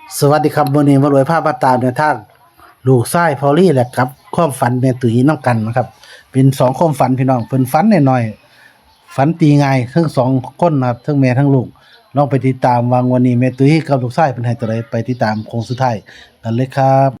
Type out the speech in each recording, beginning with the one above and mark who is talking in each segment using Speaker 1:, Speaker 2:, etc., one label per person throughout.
Speaker 1: สวัสดีครับวันนี้มารวยภาพบัตตามในทางลูกชายพอลลี่แหละครับความฝันแม่ตุ้ยน้ำกันนะครับเป็น2ความฝันพี่น้องเพิ่นฝันน้อยๆฝันตีง่ายทั้ง2คนนะครับทั้งแม่ทั้งลูกลองไปติดตามวางวันนี้แม่ตุ้ยกับลูกชายเพิ่นให้ตัวใดไปติดตามโค้งสุดท้ายกันเลยครับ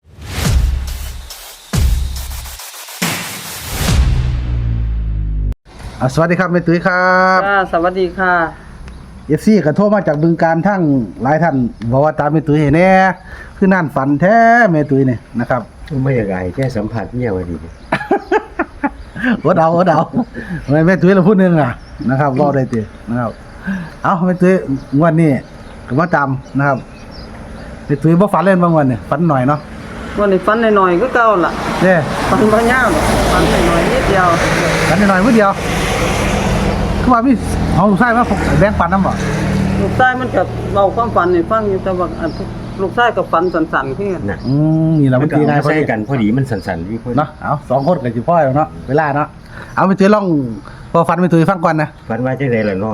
Speaker 1: สวัสดีครับแม่ตุ้ยครับ
Speaker 2: สวัสดีค่ะ
Speaker 1: FC ก็โทรมาจากบึงการทั้งหลายท่านบอกว่าตามแม่ตุ้ยให้แน่คือนั่นฝันแท้แม่ตุ้ยนี่นะครับ
Speaker 3: ไม่อยากไอ้แค่สัมผัสเนี่ยวันนี้
Speaker 1: อดเอาแม่ตุ้ยเราพูดนึงนะครับรอได้ตินะครับเอาแม่ตุ้ยงวดนี้ก็มาตามนะครับแม่ตุ้ยบ่ฝันเล่นบางวันเนี่ยฝันหน่อยเนาะ
Speaker 2: วันนี้ฟันหน่อยๆก็เก่าล่ะ
Speaker 1: เด้
Speaker 2: ฟันบ่ยาวหรอกฟันหน่อยๆนิดเดียว
Speaker 1: ฝันหน่อยมื้อเดียวคือว่ามีของลูกชายมาแบ่งปันนำบ่
Speaker 2: ลูกชายมันก็เว้าความฝันให้ฟังอยู่แต่ว่าลูกชายก็ฝันสั่นๆคือกัน
Speaker 3: นะ
Speaker 1: นี่ล่ะ
Speaker 3: มั
Speaker 1: มัน น
Speaker 3: ก็
Speaker 1: ตี
Speaker 3: เอา
Speaker 1: ง่าย
Speaker 3: มา
Speaker 1: พอ
Speaker 3: ใส่
Speaker 1: ดี
Speaker 3: กันพอดีมันสั่นๆพี่พอดี
Speaker 1: เนาะเอา2คนก็สิพอแล้วเนาะเวลาเนาะเอาแม่ตุ้ยลองพอฝันแม่ตุ้ยฟังก่อนนะ
Speaker 3: ฝันว่าจังไดล่ะน้อง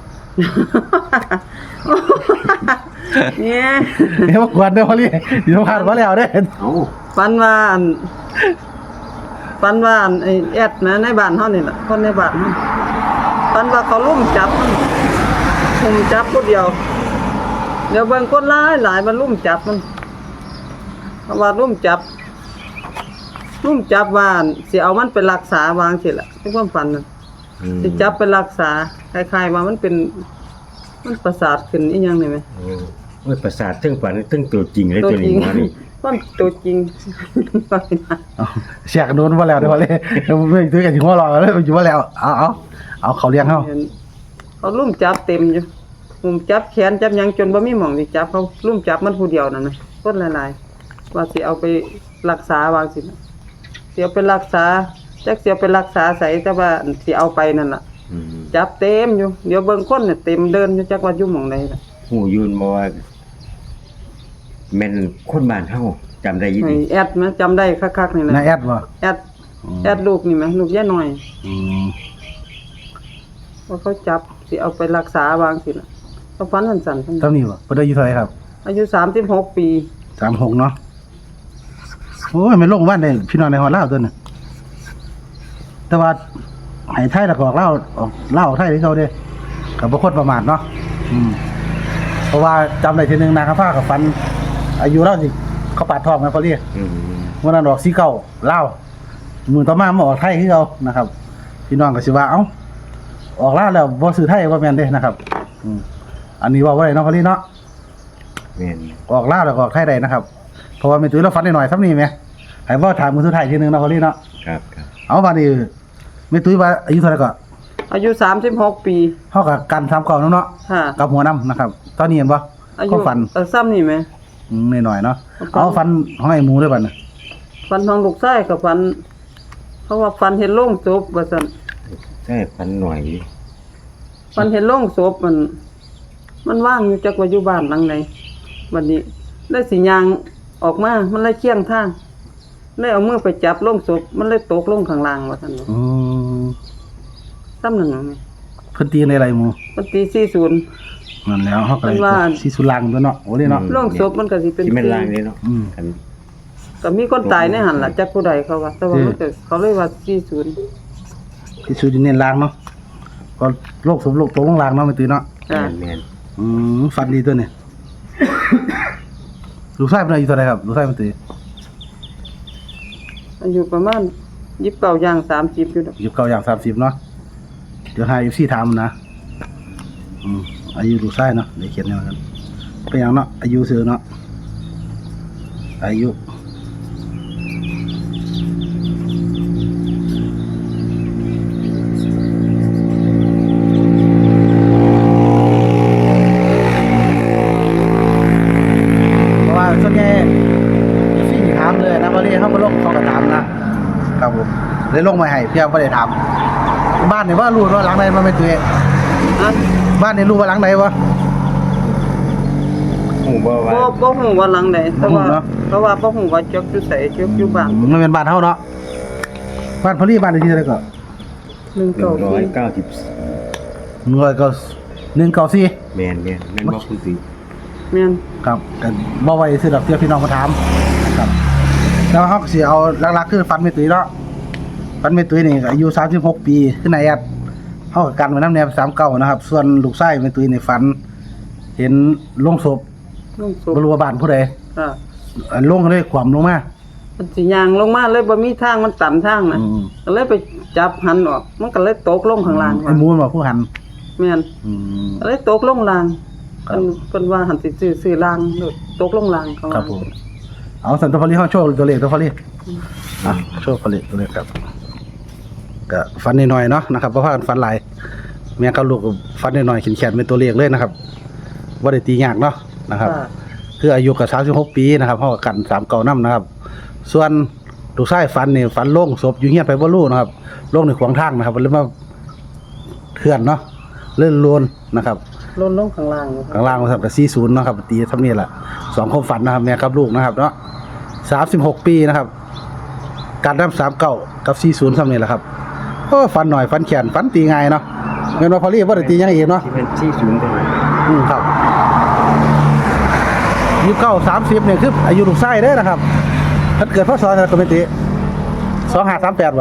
Speaker 2: เนี่ย
Speaker 1: เดี๋ยวมากวนเด้อพอลี่เดี๋ยวผ่านมาแล้วเด้
Speaker 3: เอ้า
Speaker 2: ฝันว่าไอ้แอดนะในบ้านเฮานี่ล่ะคนในบ้านเฮาฝันว่าเขาลุมจับมันลุมจับผู้เดียว เดี๋ยวเบิ่งคนหลายมันลุมจับมันเพราะว่าลุมจับว่าสิเอามันไปรักษาวางสิล่ะในความฝันน่ะ สิจับไปรักษาคล้ายๆว่ามันประสาทขึ้นอีหยังนี่ไหม
Speaker 3: โอ้ยประสาทถึงฝันถึงตัวจริงเลยตัวนี้มานี่
Speaker 2: ความตัวจริง
Speaker 1: เสียกโดนมาแล้วเดี๋ยวมาเลยไม่ซื้อกันอยู่หัวรอเลยอยู่มาแล้วเอาเขาเลี้ยงเขา
Speaker 2: เขาลุ่มจับเต็มอยู่ลุ่มจับแขนจับหยังจนบ่มีหม่องสิจับเขาลุ่มจับมันผู้เดียวนั่นนะคนหลายๆว่าสิเอาไปรักษาวางสิสิเอาไปรักษาจักสิเอาไปรักษาใส่แต่ว่าสิเอาไปนั่นล่ะจับเต็มอยู่เดี๋ยวเบิ่งคนเนี่ยเต็มเดินอยู่จักว่าอยู่หม่องใดล่ะ
Speaker 3: หูยืนบ่ว่าแม่นคนบ้านเฮาจำได้ยิน
Speaker 2: ไอ้แอดมั้ยจำได้คักๆนี่แหละ
Speaker 1: นายแอดวะ
Speaker 2: แอดลูกนี่ไหมลูกย่าหน่อย
Speaker 1: อืม
Speaker 2: ว่าเขาจับสิเอาไปรักษาวางสิล่ะเขาฟันสั่นๆทั้ง
Speaker 1: เท่านี้วะเพิ่นอายุเท่าไหร่ครับ
Speaker 2: อายุ36 ปี
Speaker 1: 36เนาะโอ้ยมันลงบ้านได้พี่น้องในฮอดลาวตัวนึงแต่ว่าให้ไทยแล้วก็ออกลาวออกไทยที่เขาเด้ก็บ่คนประมาทเนาะเพราะว่าจำได้ทีนึงนะครับพากับฟันอายุเราสิเขาปาดทองกันเขาเรียก วันนั้นออก49ลาวมื้อต่อมามาออกไทยคือเก่านะครับ พี่น้องก็สิว่าเอ้าออกลาวแล้วบ่ซื้อไทยบ่แม่นเด้นะครับอันนี้ว่าบ่ได้เนาะพอลี่เนาะ
Speaker 3: แม่น
Speaker 1: ออกลาวแล้วก็ออกไทยได้นะครับเพราะว่าแม่ตุ้ยเราฝันหน่อยๆซ้ำนี้แหมให้บ่ถามมื้อสุดท้ายทีนึงเนาะพอลี่เนาะ
Speaker 3: ครับ
Speaker 1: เอาบัดนี้แม่ตุ้ยว่าอายุเท่าไหร่ก็
Speaker 2: อายุ36 ปี
Speaker 1: เฮากับกัน39เนาะ
Speaker 2: ค่ะ
Speaker 1: กับหัวนํนะครับตอนนี้เห็นบ่
Speaker 2: อายุ
Speaker 1: ก็ฝัน
Speaker 2: ซ้ำนี่ไหม
Speaker 1: หน่อยๆเนาะเอาฝันของไอ้หมูด้วยบัดน่ะ
Speaker 2: ฟันทองลูกไส้กับฟันเพราะว่าฟันเห็นโล่งศพว่าซั่น
Speaker 3: ใช่ฝันหน่อย
Speaker 2: ฟันเห็นโล่งศพมันว่างอยู่จักว่าอยู่บ้านหลังไหนบัดนี้ได้สิยางออกมามันเลยเคียงทางเลยเอามือไปจับโล่งศพมันเลยตกลงข้างล่างว่าซั่นว่า
Speaker 1: อืม
Speaker 2: ซ้ำนั่นน่ะแม่
Speaker 1: เพิ่นตีในอะไรหมู
Speaker 2: มันตี40
Speaker 1: นั่นแล้วเฮาก็เลย
Speaker 2: เพิ่นว่า
Speaker 1: สิสุลังตัวเนาะโอ้นี่เนาะ
Speaker 2: โล่งศพมันก็สิเป็น
Speaker 3: ที่แม่นล่างนี่เนาะ กัน
Speaker 2: ก็มีคนตายในหันล่ะจักผู้ใดเขาว่าแต่ว่ามันก็เขาเลยว่า40
Speaker 1: ที่สุดเน้นล้างเนาะก็โรคสมโรคตกลงล้างเนาะไม่ตื่นเนาะ
Speaker 2: จ้ะ
Speaker 3: แม่น
Speaker 1: ฟันดีตัวนี้ ลูกชายเป็นอายุเท่าไหร่ครับลูกชายมันตื่น
Speaker 2: อายุประมาณ29ย่าง30อยู่ดอก
Speaker 1: 29อย่าง30เนาะเดี๋ยวให้ FC ถามนะอายุลูกชายเนาะได้เขียนแนวกันเป็นหยังเนาะอายุซื่อเนาะอายุเพราะว่าส่วนใหญ่สิ่งถามเลยนะพอดีเขามาลงเขาก็ถามนะครับผมเลยลงมาให้เพียงไม่ได้ถามบ้านเนี่ยว่ารู้ว่าหลังไหนมันไม่ตัวเอง
Speaker 2: อะ
Speaker 1: บ้านเนี่ยรู้ว่าหลังไหนวะ
Speaker 3: หูบ่ว่า
Speaker 2: บ่ฮู้ว่าหลังใดแต่ว่า
Speaker 1: บ่ฮู้เนาะ
Speaker 2: เพราะว่าบ่ฮู้ว่าจักอยู่ไสจักอยู่บ้าน
Speaker 1: มันเป็นบ้านเฮาเนาะบ้านพอดีบ้านเลขที่เท่าไหร่ก็
Speaker 3: 190
Speaker 1: 194
Speaker 3: แม่นแม่นบ่พูดสิ
Speaker 2: แม่น
Speaker 1: ครับก็บ่ไว้ซื้อดอกเตี้ยพี่น้องมาถามนะครับแล้วเฮาก็สิเอาหลักๆคือฟันแม่ตุ้ยเนาะฟันแม่ตุ้ยนี่ก็อายุ36ปีคือนายแอดเฮาก็กันไว้นำแนว39นะครับส่วนลูกชายแม่ตุ้ยนี่ฝันเห็นโลงศพ
Speaker 2: ลงศพ
Speaker 1: บ่รู้ว่าบ้านผู้ใด
Speaker 2: อ่า
Speaker 1: ลงเลยขวามลงมา
Speaker 2: มันสิย่างลงมาเลยบ่มีทางมันตันทางน่ะ
Speaker 1: อืม
Speaker 2: ก็เลยไปจับหันออกมันก็เลยตกลงข้างล่าง
Speaker 1: ไอ้หมูมันบอกผู้หัน
Speaker 2: แม่น
Speaker 1: อืม
Speaker 2: ก็เลยตกลงล่าง
Speaker 1: ครับ
Speaker 2: เพิ่นว่าหันสิซื้อล่างโดดตกลงล่างเขา
Speaker 1: ครั
Speaker 2: ว่า
Speaker 1: บผมเอาสันตัวพอลีเฮาโชว์ตัวเลขตัวพอลีอ่ะโชว์พอลีตัวเลขครับก็ฟันน้อยๆเนาะนะครับเพราะว่าฟันหลายแม่กับลูกก็ฟันน้อยๆแขนๆเป็นตัวเลขเลยนะครับบ่ได้ตียากเนาะนะครับ
Speaker 2: ค่ะ
Speaker 1: คืออายุก็36ปีนะครับเฮาก็กัน39นำนะครับ ส่วนลูกชายฟันนี่ฟันโล่งศพอยู่เฮียนไปบ่รู้นะครับโล่งในขวางทางนะครับเลยมาเถื่อนเนาะเลื่อนลวนนะครับ
Speaker 2: ลงข้างล่าง
Speaker 1: ข้างล่างนะครับก็40เนาะครับตีเท่านี้แหละ2ความฝันนะครับแม่กับลูกนะครับเนาะ36ปีนะครับการนำ39กับ40เท่านี้แหละครับโอ้ฝันหน่อยฝันแขนฝันตีง่ายเนาะแม่นว่าพอลี่บ่ได้ตีหยังอีกเนาะ
Speaker 3: ที่เป็นที่ศูนย์ตัวนั้น
Speaker 1: ครับ29 30เนี่ยคืออายุลูกชายเด้อนะครับเพิ่นเกิดพศอะไรก็ไม่ติ2538บ่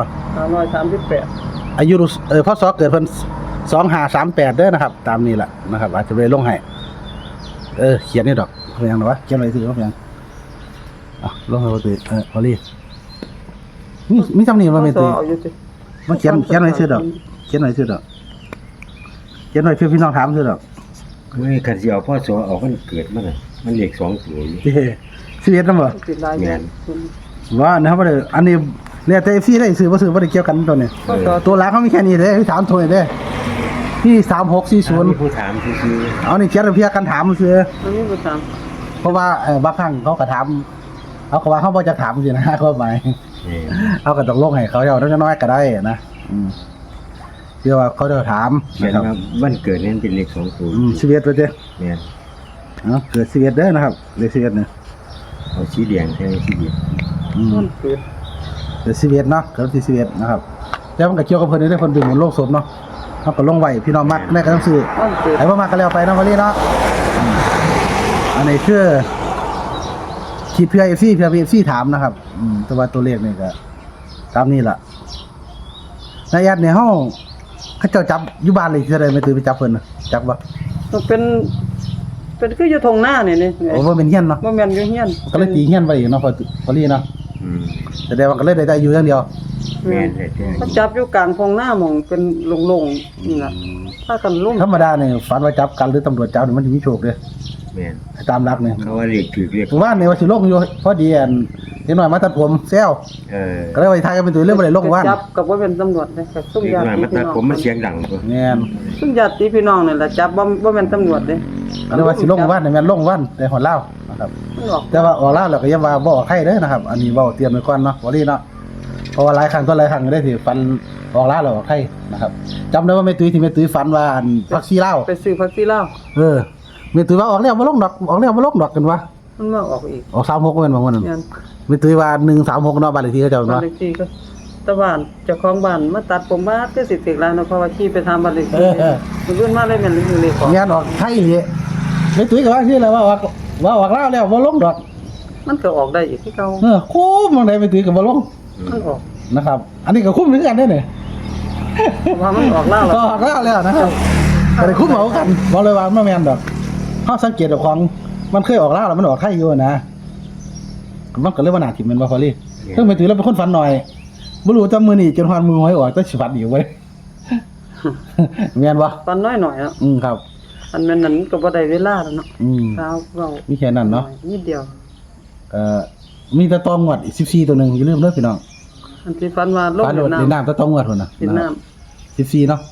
Speaker 2: 338
Speaker 1: อายุลูกพศเกิดเพิ่น2538เด้อนะครับ ตามนี้แหละนะครับ อาจจะไปลงให้เขียนนี่ดอกเพียงหรอวะเขียนไว้ซื่อว่าเพียงลงให้บ่ติพอลี่มีจำนี่บ่แม่ติ
Speaker 2: เอาอยู่สิ
Speaker 1: มาเขียนไว้ซื่อดอกเขียนไว้ซื่อดอกเขียนไว้เพื่อพี่น้องถามซื่อดอก
Speaker 3: ไม่คันสิเอาพ่อสอเอามันเกิดมาน่ะมันเลข2ตัวอยู่
Speaker 1: เด้สิเฮ็ดนำบ่
Speaker 2: สิลาย
Speaker 3: แม่น
Speaker 1: ว่านะครับบ่ได้อันนี้แล้วแต่ FC ได้ซื้อบ่ซื้อบ่ได้เกี่ยวกันตัวนี้
Speaker 2: ก็ต่อ
Speaker 1: ตัวหลักเขามีแค่นี้เด้พี่ถามโทรนี่เด้พี่3640
Speaker 3: มีผู้ถามซื่อ
Speaker 1: เอานี่เขียนเพียกันถามซื่อ
Speaker 2: มันมีบ่ตาม
Speaker 1: เพราะว่าบางครั้งเขาก็ถามเขาก็ว่าเขาบ่จะถามสินะ เขาหมาย
Speaker 3: ๆนี่
Speaker 1: เขาก็ต้องลงให้เขาเอาน้อยๆก็ได้นะเชื่อว่าเขาจะถาม
Speaker 3: เขียน
Speaker 1: นะครับ
Speaker 3: ว่าวันเกิดนั้นเป็นเลข2ตัว
Speaker 1: ชีวิตไปเด้
Speaker 3: แม่น
Speaker 1: เกิดชีวิตเด้อนะครับเลขชีวิตเนี่ย
Speaker 3: เอาสีแดงแทนสีเดียว
Speaker 2: มันเกิด
Speaker 1: เกิดชีวิตเนาะเกิดที่ชีวิตนะครับแล้วมันก็เกี่ยวกับเพิ่นได้เพิ่นดึงบนโลกสมเนาะเขาก็ลงไว้พี่น้องมักได้ก็ต้องซื้อ
Speaker 2: มันเกิด
Speaker 1: ไอ้บ่มักก็แล้วไปเนาะพอลี่เนาะอันนี้คือคิดเพื่อ FC เพื่อ FC ถามนะครับแต่ว่าตัวเลขนี่ก็ตามนี้ล่ะในยัดในห้องเขาเจ้าจับอยู่บ้านเลยจะได้ไม่ตื่นไปจับเพิ่นน่ะจับบ่
Speaker 2: มันเป็นคืออยู่ทงหน้านี่นี่
Speaker 1: โอ้บ่เป็นเฮียนเนาะ
Speaker 2: บ่แม่นอยู่เฮียน
Speaker 1: ก็เลยตีเฮียนไว้เนาะพอลี่เนาะ
Speaker 3: อืม
Speaker 1: แสดงว่าก็เลยได้อยู่อย่างเดียว
Speaker 3: แม่นแท้
Speaker 2: เขาจับอยู่กลางทงหน้าหม่องเป็นโล่งๆนี่ล่ะถ้ากันลุ่ม
Speaker 1: ธรรมดาเนี่ยฝันว่าจับกันหรือตำรวจจับนี่มันสิมีโชคเด้
Speaker 3: ๆแม่น
Speaker 1: ตามหลักเนี่ย
Speaker 3: เขาว่าเลขถูกเลข
Speaker 1: ว่าเนี่ยว่าสิลงอยู่พอดีอันเด็กน้อยมาตัดผมแซว ก็เลยไปทายกันเป็นตัวเรื่องบ่ได้ลงว่าน
Speaker 2: จับกับว่าเป็นตำรวจเลยกับซุ่ม
Speaker 3: เด็ก
Speaker 2: ญาติ
Speaker 3: น้อยมา
Speaker 2: พี่
Speaker 3: ตัด
Speaker 2: น้อง
Speaker 3: ผมมันเสียงดังตัว
Speaker 1: แม่น
Speaker 2: ซุ่มญาติพี่น้องนี่แหละจับว่าเป็นตำรวจเลย
Speaker 1: ก็เลยว่าสิลงว่านเนี่ยแม่นลงว่านแต่หอดเล่าวนะครับ
Speaker 2: มันออก
Speaker 1: แต่ว่าออกเล่าวแล้วก็อย่าว่าบ่ออกไข่เด้อนะครับ อันนี้เว้าเตรียมไว้ก่อนเนาะบ่รีเนาะเพราะว่าหลายครั้งก็ได้สิฟันออกเล่าวแล้วออกไข่นะครับจำได้ว่าแม่ตุ้ยที่แม่ตุ้ยฝันว่าอันพักซี่เหล้า
Speaker 2: ไปซื้อพักซี่เหล้า
Speaker 1: แม่ตุ้ยว่าออกแล้วบ่ลงดอกออกแล้วบ่ลงดอกกันวะ
Speaker 2: มันมาออกอีก
Speaker 1: ออก36แม่นบ่มื้อนั้น
Speaker 2: เนี่ย
Speaker 1: แม่ตุ้ยว่า136เนาะบ้านเลขที่เขาเจ้า
Speaker 2: บ้าน
Speaker 1: เนาะ
Speaker 2: เลขที่ก็ตะบ้านเจ้าของบ้านมาตัดผมมาก็สิถึกแล้วเนาะเพราะว่าขี่ไปทำบ้านเลขที่มันขึ้นมาเลยแม่นเลขของ
Speaker 1: งานออกไข่อีหลีแม่ตุ้ยก็ว่าชื่ออะไรว่าออกเล่าวแล้วบ่ลงดอก
Speaker 2: มันก็ออกได้อีกที่เก่า
Speaker 1: คุ้มบางใดแม่ตุ้ยก็บ่ลง
Speaker 2: มันออก
Speaker 1: นะครับ อันนี้ก็คุ้มเหมือนกันเด้อเนี่ย
Speaker 2: ว่ามันออกแล้ว
Speaker 1: ก็ออกแล้วนะครับก็ได้คุ้มเหมากันบอกเลยว่ามันบ่แม่นดอกเฮาสังเกตเอาของมันเคยออกแล้วมันออกไข่อยู่นะมันก็เลยว่าน่าทิ่มแม่นบ่พอลี่เพิ่งไปถือแล้วเป็นคนฝันหน่อยบ่รู้จำมื้อนี้จนฮอดมือหวยออกแต่สิฝันอีกเว้ย แม่นบ่
Speaker 2: ตอนน้อยหน่อยอ่ะ
Speaker 1: ครับ
Speaker 2: อันแม่นนั้นก็บ่ได้เวลาแล้วเนาะ เช้าเรา
Speaker 1: มีแค่นั้นเนาะ
Speaker 2: นิดเดียว
Speaker 1: มีแต่ตองงวดอีก14ตัวหนึงอย่าลืมเด้อพี่น้อง
Speaker 2: อันที่ฟันว่าลง
Speaker 1: ฝันโดด
Speaker 2: น้ำ
Speaker 1: ในน้ำแต่ตองงวดพุ่นน่ะ
Speaker 2: กินน้ำ
Speaker 1: 14เนาะ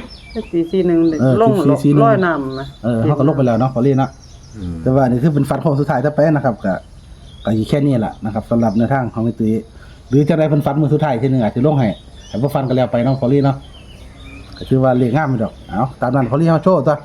Speaker 2: 441นี่ ลง
Speaker 1: 1441
Speaker 2: ร้อยน้ำนะ
Speaker 1: เฮาก็ลงไปแล้วเนาะพอลี่เนาะ
Speaker 3: อืม
Speaker 1: แต่ว่านี่คือเป็นฟันโค้งสุดท้ายถ้าไปนะครับก็อยู่แค่นี้แหละนะครับสำหรับในทางของไอ้ตุ้ยหรือจะได้เพิ่นฟันมือสุดท้ายทีนึงอาจจะลงให้แต่บ่ฟันก็แล้วไปเนาะพอลี่เนาะก็คือว่าเลขงามไปดอกเอาตามนั้นพอลี่เฮาโชว์ตัว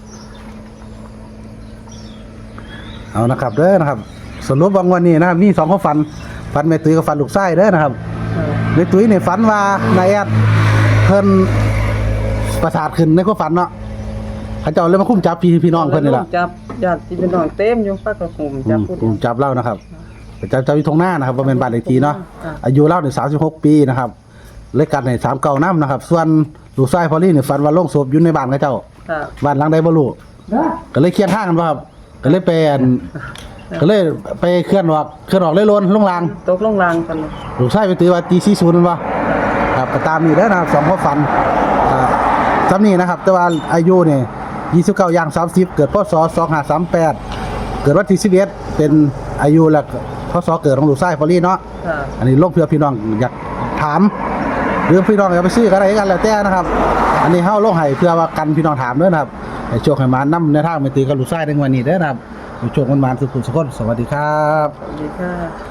Speaker 1: เอานะครับเด้อนะครับสรุปว่าวันนี้นะครับมี2ความฝันแม่ตุ้ยกับฝันลูกชายเด้อนะครับแม่ตุ้ยนี่ฝันว่านายแอดเพิ่นประสาทขึ้นในความฝันเนาะเขาเจ้าเลยมาคุ้มจับพี่น้องเพิ่นนี่ล่ะ
Speaker 2: จับญาติพี่น้องเต็มอยู่ปักกระหุมจับผู้เดี
Speaker 1: คุ้
Speaker 2: ยว
Speaker 1: มจับเล่านะครับจับอยู่ตรงหน้านะครับบ่แม่นบ้านเลขที่เนาะ
Speaker 2: ค่ะ
Speaker 1: อายุเล่าเนี่ย36 ปีนะครับเลขกันให้39นำนะครับ ส่วนลูกชายพอลลี่เนี่ยฝันว่าโลงศพอยู่ในบ้านเขาเจ้า
Speaker 2: ค่ะ
Speaker 1: บ้านหลังใดบ่รู้ก็เลยเคลียร์ทางกันบ่ครับก็เลยไปก็เลยไปเคลื่อนออกเลยโลนลงราง
Speaker 2: ตกลงรางกันเลย
Speaker 1: ลูกชายไปตีว่าตี40นั่นบ่ครับก็ตามนี้เด้อนะครับ2ความฝันซ้ำนี้นะครับ แต่ว่าอายุเนี่ย29ย่าง30เกิดพศ2538เกิดวันที่11เป็นอายุและพศเกิดของลูกชายพอลลี่เนาะ
Speaker 2: ค่ะ
Speaker 1: อันนี้ลงเพื่อพี่น้องอยากถามหรือพี่น้องอยากไปซื้อก็ได้กันแล้วแต่นะครับ อันนี้เฮาลงให้เพื่อว่ากันพี่น้องถามเด้อนะครับให้โชคให้มานำในทางไปตีกับลูกชายในวันนี้เด้อนะครับให้โชคมันมานสุขสุขคนสวัสดีครับ
Speaker 2: สวัสดีค่ะ